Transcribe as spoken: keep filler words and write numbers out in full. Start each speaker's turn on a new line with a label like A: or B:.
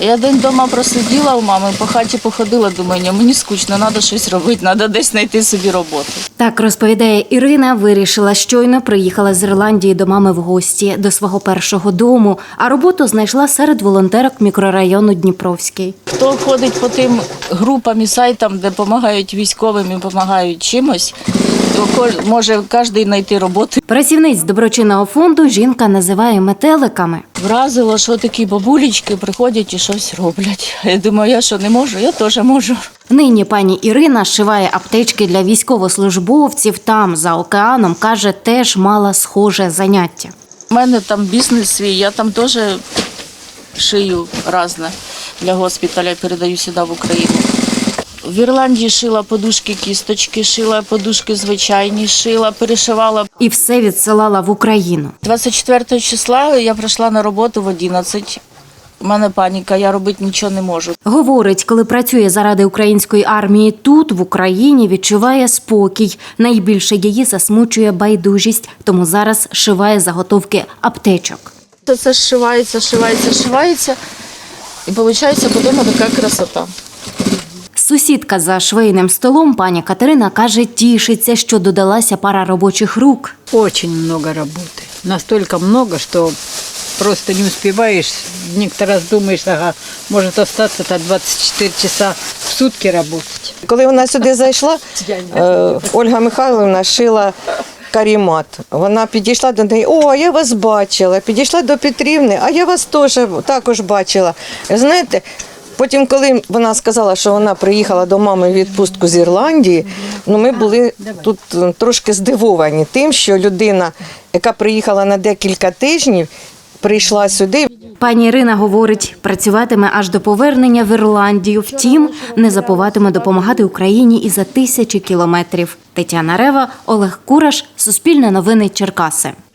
A: Я день вдома просиділа у мами, по хаті походила, думаю, ні, мені скучно, треба щось робити, треба десь знайти собі роботу.
B: Так розповідає Ірина, вирішила щойно приїхала з Ірландії до мами в гості, до свого першого дому, а роботу знайшла серед волонтерок мікрорайону Дніпровський.
A: Хто ходить по тим групам і сайтам, де допомагають військовим і допомагають чимось, то може кожен знайти роботу.
B: Працівниць доброчинного фонду жінка називає метеликами.
A: Вразило, що такі бабулечки приходять і щось роблять. Я думаю, я що не можу, я теж можу.
B: Нині пані Ірина шиває аптечки для військовослужбовців. Там, за океаном, каже, теж мала схоже заняття.
A: У мене там бізнес свій, я там теж шию різне для госпіталя, передаю сюди в Україну. В Ірландії шила подушки кісточки, шила подушки звичайні, шила, перешивала.
B: І все відсилала в Україну.
A: двадцять четвертого числа я прийшла на роботу в одинадцять. У мене паніка, я робити нічого не можу.
B: Говорить, коли працює заради української армії тут, в Україні, відчуває спокій. Найбільше її засмучує байдужість, тому зараз шиває заготовки аптечок.
A: Це, це зшивається, шивається, шивається, і виходить потім така красота.
B: Сусідка за швейним столом, пані Катерина, каже, тішиться, що додалася пара робочих рук.
C: Очень много работы. Настолько много, что просто не успеваешь. Некоторый раз думаешь, ага, может остаться-то двадцять чотири часа в сутки работать.
D: Коли вона сюди зайшла, е, Ольга Михайлівна шила карімат. Вона підійшла до неї, о, я вас бачила. Підійшла до Петрівни, а я вас теж також бачила. Знаєте, потім, коли вона сказала, що вона приїхала до мами в відпустку з Ірландії, ну ми були тут трошки здивовані тим, що людина, яка приїхала на декілька тижнів, прийшла сюди.
B: Пані Ірина говорить, працюватиме аж до повернення в Ірландію. Втім, не забуватиме допомагати Україні і за тисячі кілометрів. Тетяна Рева, Олег Кураш, Суспільне новини, Черкаси.